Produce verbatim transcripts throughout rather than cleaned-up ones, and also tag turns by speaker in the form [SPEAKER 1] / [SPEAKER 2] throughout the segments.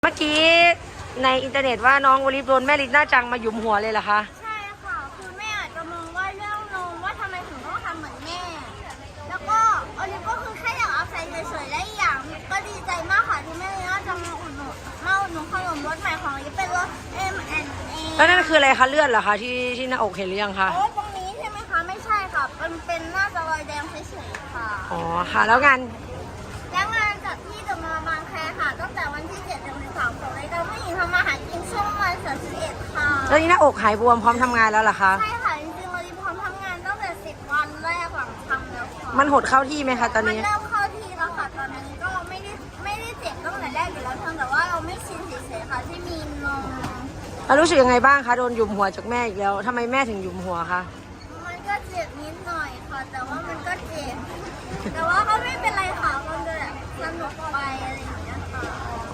[SPEAKER 1] เมื่อกี้ในอินเทอร์เน็ตว่าน้องโอลิฟโดนแม่ลินน่าจังมาหยุมหัวเลยเหรอคะ
[SPEAKER 2] ใช่ค่ะคือแม่อาจจะมองว่าเรื่องนมว่าทำไมถึงต้องทำเหมือนแม่แล้วก็โอลิฟก็คือแค่อยากเอาใส่เฉยๆและอีกอย่างก็ดีใจมากค่ะที่แม่ลินน่าจะมาอุดหนุนมาอุดหนุนขนมรสใหม่ของโอลิฟเป็นรส เอ็ม แอนด์ เอ
[SPEAKER 1] แล้วนั่นคืออะไรคะเลือดเหรอคะที่ที่หน้าอกเห็นหรือยังคะ
[SPEAKER 2] โอ้ตรงนี้ใช่ไหมคะไม่ใช่ค่ะมันเป็นน่าจะรอยแดงเฉยๆค่ะ
[SPEAKER 1] อ๋อค่ะแล้วงาน
[SPEAKER 2] แล้วงานจัดที่เดอะมอลล์บางแคค่ะตั้งแต่วันที่เจ็ดถึงสามของรายการผู้หญิงทำมาหากินช่วงวันเสาร์สิบเอ็ดค่ะ
[SPEAKER 1] แล้วนี่หน้าอกหายบวมพร้อมทำงานแล้วเหรอคะ
[SPEAKER 2] ใช่ค่ะจริงๆโอลิฟพร้อมทำงานตั้งแต่สิบวันแรกหลังทำแล้วค่ะ
[SPEAKER 1] มันหดเข้าที่ไหมคะตอนนี้
[SPEAKER 2] มันเริ่มเข้าที่แล้วค่ะตอนนี้ก็ไม่ได้ไม่ได้เจ็บตั้งแต่แรกอยู่แล้วเพียงแต่ว่าเราไม่ชินเฉยๆค่ะที่มีนม
[SPEAKER 1] แล้วรู้สึกยังไงบ้างคะโดนหยุมหัวจากแม่อีกแล้วทำไมแม่ถึงหยุมหัวคะ
[SPEAKER 2] มันก็เจ็บนิดหน่อยค่ะแต่ว่ามันก็เจ็บแต่ว่าก็ไม่เป็นไรค่ะมันก็แบบสนุกไปอะไรอย่างเงี้ยค่ะ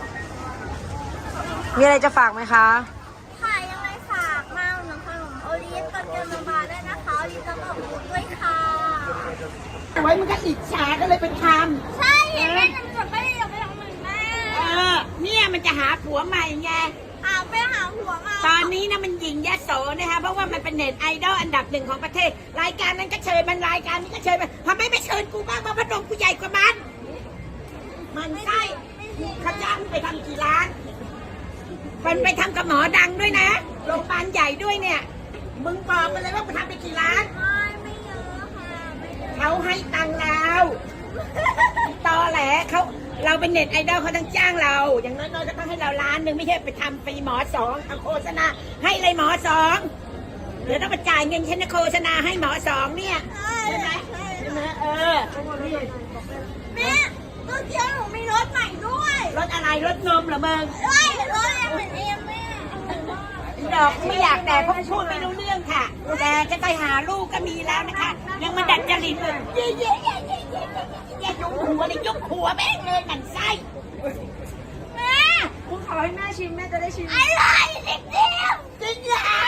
[SPEAKER 1] มีอะไรจะฝากไหมคะ
[SPEAKER 2] ค่ะยังไงฝากมาอุดหนุนขนมโอลิฟกับเกลมาบาได้นะคะโอลิฟจะบอกคุณด้วยค่ะ
[SPEAKER 3] ไว้มันก็อิจฉาก็เลยเป็นค
[SPEAKER 2] ำใช่เห็นแม่ทำจดไม่ได้อยากไปทำเหมือนแม่
[SPEAKER 3] เออเนี่ยมันจะหาผัวใหม่ไง
[SPEAKER 2] หาไปหาผัวมา
[SPEAKER 3] ตอนนี้นะมันหญิงยโสนะคะเพราะว่ามันเป็นเน็ตไอดอลอันดับหนึ่งของประเทศรายการนั้นก็เชิญมันรายการนี้ก็เชิญมันทำไมไม่เชิญกูบ้างมาพัดลมกูใหญ่กว่ามันมันใช่เขาจ้างไปทำกี่ล้านมันไปทำกับหมอดังด้วยนะโรงพยาบาลใหญ่ด้วยเนี่ยมึงบอกมาเลยว่าไปทำไปกี่ล้าน
[SPEAKER 2] ไม่ไม่เยอะค่ะไม่เยอะ
[SPEAKER 3] เขาให้ตังค์เราตอแหลเขาเราเป็นเน็ตไอดอลเขาต้องจ้างเราอย่างน้อยๆก็ต้องให้เราล้านหนึ่งไม่ใช่ไปทำฟรีหมอสองทำโฆษณาให้เลยหมอสองเดี๋ยวต้องมาจ่ายเงินฉันนะโฆษณาให้หมอสองเนี่ยใช่ไหมใช่ไหมเออ
[SPEAKER 2] แม่ตัวเดียวหนูมีรถใหม่ด้วย
[SPEAKER 3] รถอะไรรถนมเหรอมึง
[SPEAKER 2] ใช่รถเอ็มเอ็มแม่
[SPEAKER 3] ดอกไม่อยากแต่เพราะพูดไม่รู้เรื่องค่ะแต่จะไปหาลูกก็มีแล้วนะคะยังมาดัดจริตเลยเย่เย่เย่เย่เย่เย่ยุบหัวเลยยุบหัวแม่งเลยหมันไส้
[SPEAKER 2] แม่
[SPEAKER 1] คุณขอให้แม่ชิมแม่จะได้ชิม
[SPEAKER 2] อะไรนิดเดียวจริงเหรอ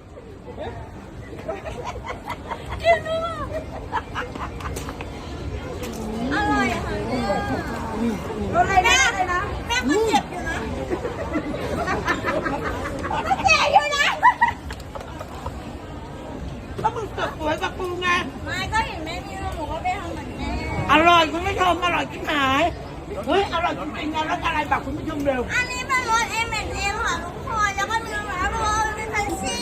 [SPEAKER 2] จริงอร่อยค่ะ
[SPEAKER 1] รสอะไรแม่เลยนะ
[SPEAKER 2] แม่ก็เจ็บอยู่นะก็เจ็บอยู่นะ
[SPEAKER 3] ก็มึงตกสวยกับปูไง
[SPEAKER 2] ไม่ก็เห็นแม่นี่แล้วหนูก็ไปทำเหมือนแม่
[SPEAKER 3] อร่อยคุณผู้ชมอร่อยจริงหายเฮ้ยอร่อยจริงๆนะรสอะไรบอกคุณผู้ชมเร็ว
[SPEAKER 2] อันนี้เป็นรส เอ็ม แอนด์ เอ ค่ะทุกคนแล้วก็มีรสแบบรสเป็นพันซี่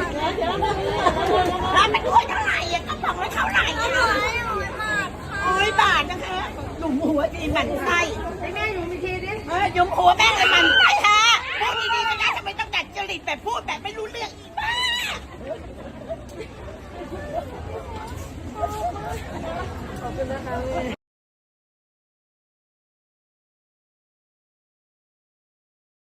[SPEAKER 3] ร้านมันด้วยเท่าไหร่อ่ะก็บอกว่าเท่าไหร่
[SPEAKER 2] อร่อยอร่อยมากค่ะ
[SPEAKER 3] ร้อยบาทนะคะหนุ่มหัวดีหมันไส้
[SPEAKER 1] ให้แม่หนูมีทีดิ
[SPEAKER 3] เฮ้ยยุมหัวแม่เลยหมันไส้ฮะพูดดีๆก็ได้ทำไมต้องดัดจริตแบบพูดแบบไม่รู้เรื่องอีกบ้า
[SPEAKER 1] ขอบคุณนะคะ